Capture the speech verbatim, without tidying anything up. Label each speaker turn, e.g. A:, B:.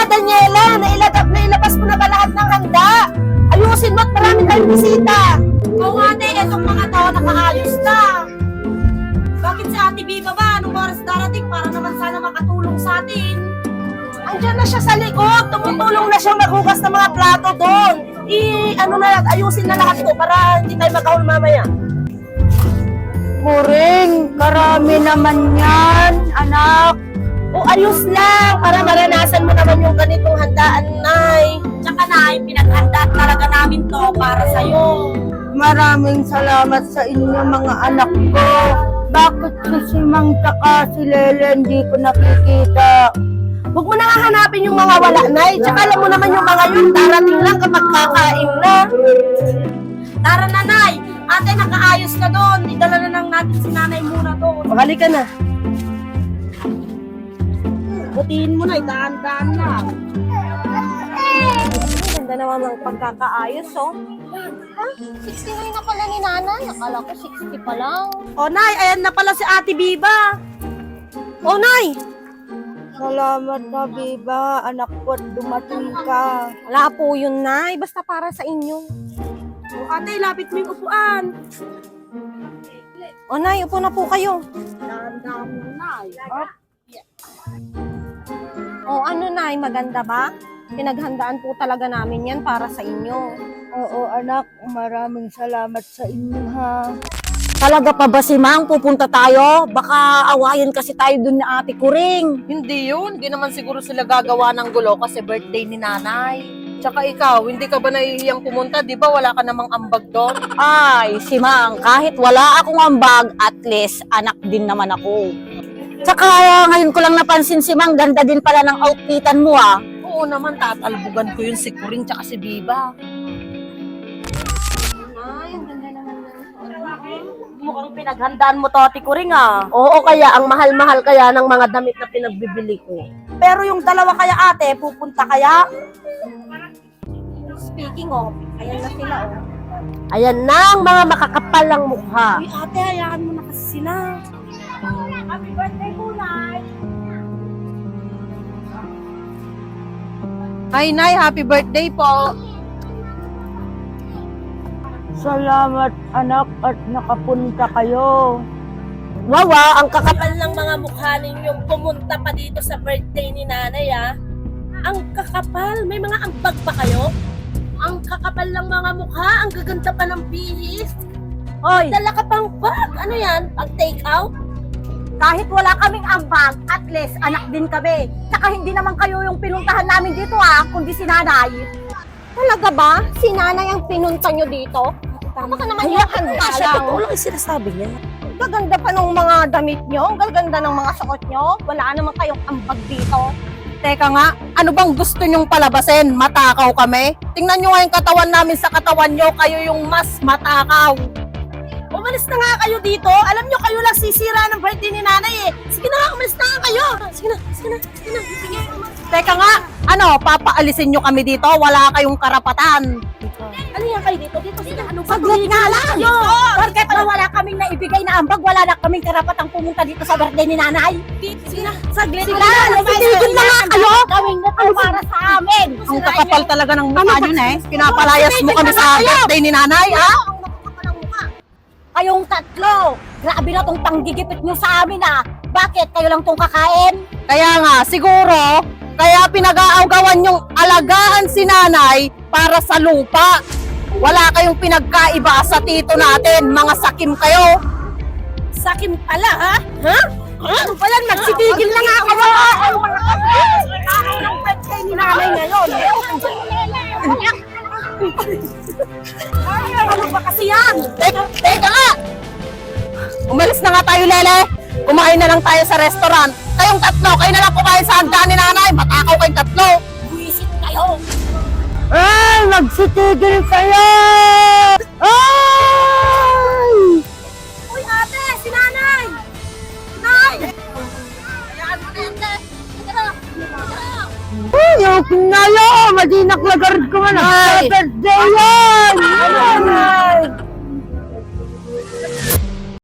A: Daniela, nailagap na ilabas mo na ba lahat ng handa? Ayusin mo at marami tayong bisita.
B: Oo ate, etong mga tao nakaayos na. Bakit si Ate Biba ba? Anong oras darating para naman sana makatulong sa atin?
A: Andiyan na siya sa likod. Tumutulong na siya maghugas ng mga plato doon. I, ano na, ayusin na lahat to para hindi tayo magkahol mamaya.
C: Muring, karami naman yan, anak.
A: O ayos lang, para maranasan mo naman yung ganitong handaan, Nay.
B: Tsaka na, pinaghanda talaga namin to para sa'yo.
C: Maraming salamat sa inyo mga anak ko. Bakit si Mang tsaka si Lele hindi ko nakikita?
A: Huwag mo na nga hanapin yung mga wala, Nay. Tsaka alam mo naman yung mga yun, darating lang kapag kakain na.
B: Tara na, Nay. Ate, nakaayos ka doon. Idala na lang natin si Nanay muna doon.
A: Pakali ka na.
B: Butiin mo na, daan-daan na.
D: Ganda naman ng pagkakaayos, oh. Ha? sixty-nine na pala ni Nanay. Akala ko sixty pa lang.
B: O, Nay, ayan na pala si Ate Biba. O, Nay.
C: Salamat na, Biba. Anak ko, dumating ka.
D: Wala po yun, Nay. Basta para sa inyo.
B: O, Ate, lapit mo yung upuan.
D: O, Nay, upo na po kayo.
B: Daan-daan lang, Nay.
D: O, ano, Nay? Maganda ba? Pinaghandaan po talaga namin yan para sa inyo.
C: Oo, anak. Maraming salamat sa inyo, ha.
E: Talaga pa ba si Mang? Pupunta tayo? Baka awayan kasi tayo dun na ate Kuring.
A: Hindi yun. Hindi naman siguro sila gagawa ng gulo kasi birthday ni Nanay. Tsaka ikaw, hindi ka ba nahihiyang pumunta? Di ba wala ka namang ambag doon?
E: Ay, si Mang, kahit wala akong ambag, at least anak din naman ako. Tsaka ngayon ko lang napansin si Mang, ganda din pala ng outfitan mo ah.
A: Oo naman, tatalbugan ko yun si Kuring tsaka si Biba.
D: Ay, ang ganda naman ng
B: Mukhang pinaghandaan mo to, Ate Kuring, ah.
A: Oo, kaya ang mahal-mahal kaya ng mga damit na pinagbibili ko.
B: Pero yung dalawa kaya, ate, pupunta kaya?
D: Speaking of, ayan na sila, oh.
A: Ayan na ang mga makakapal ng mukha.
B: Uy, ate, hayaan mo na kasi sila. Happy birthday po, Nay.
A: Hi, Nay. Happy birthday po.
C: Salamat, anak, at nakapunta kayo.
A: Wawa, ang kakapal ng mga mukha ninyong pumunta pa dito sa birthday ni Nanay, ah. Ang kakapal. May mga ambag pa kayo? Ang kakapal ng mga mukha. Ang gaganda pa ng bihis.
E: Hoy,
A: Dala ka pang bag. Ano yan? Pag take out?
E: kahit wala kaming ambag, at least anak din kami. Tsaka hindi naman kayo yung pinuntahan namin dito ah, kundi si Nanay.
D: Talaga ba? Si Nanay ang pinunta nyo dito? Baka naman yung handa lang.
A: Totoo lang yung sinasabi niya.
D: Ang gaganda pa ng mga damit nyo. Ang gaganda ng mga suot nyo. Wala naman kayong ambag dito.
A: Teka nga, ano bang gusto nyong palabasin? Matakaw kami? Tingnan nyo nga yung katawan namin sa katawan nyo. Kayo yung mas matakaw. Umalis na nga kayo dito. Alam nyo, kayo lang sisira ng birthday ni Nanay eh. Sige na nga, umalis na nga kayo. Sige na, sige na, sige na. Sige. Teka nga, ano, papaalisin nyo kami dito? Wala kayong karapatan.
B: Ano yan kayo dito? Dito sila. Ano ba?
E: Saglit nga lang! Porket na wala kaming naibigay na ambag, wala na kaming karapatang pumunta dito sa birthday ni Nanay.
B: Sige na. Saglit.
E: Sige na, tigil na nga kayo! Gawin na to para sa amin!
A: Ang kakapal talaga ng mukha nyo eh. Pinapalayas mo kami sa birthday ni Nanay, ha?
E: Kayong tatlo, grabe na tong panggigipit nyo sa amin ah. Bakit? Kayo lang tong kakain?
A: Kaya nga, siguro, kaya pinag-aawgawan yung alagaan si Nanay para sa lupa. Wala kayong pinagkaiba sa tito natin. Mga sakim kayo.
B: Sakim pala, ha? Ha?
A: Ano ba yan? Magsitigil na nga kayo.
B: Ang birthday ni Nanay ngayon. Ano ba kasi yan?
A: Teka, teka nga! Umalis na nga tayo, Lele. Kumain na lang tayo sa restaurant. Kayong tatlo, kayo na lang kumain sa handa ni Nanay. Matakaw kayong tatlo.
B: Buwisit kayo.
C: Ay, magsitigil kayo! Ay!
B: Uy, ate, si Nanay! Nay! Hayaan mo na yan, te. Sige na. Sige na.
C: Ay, okay na yun! Madinak lagard ko man.
A: Ay!
C: Birthday yan! Ay!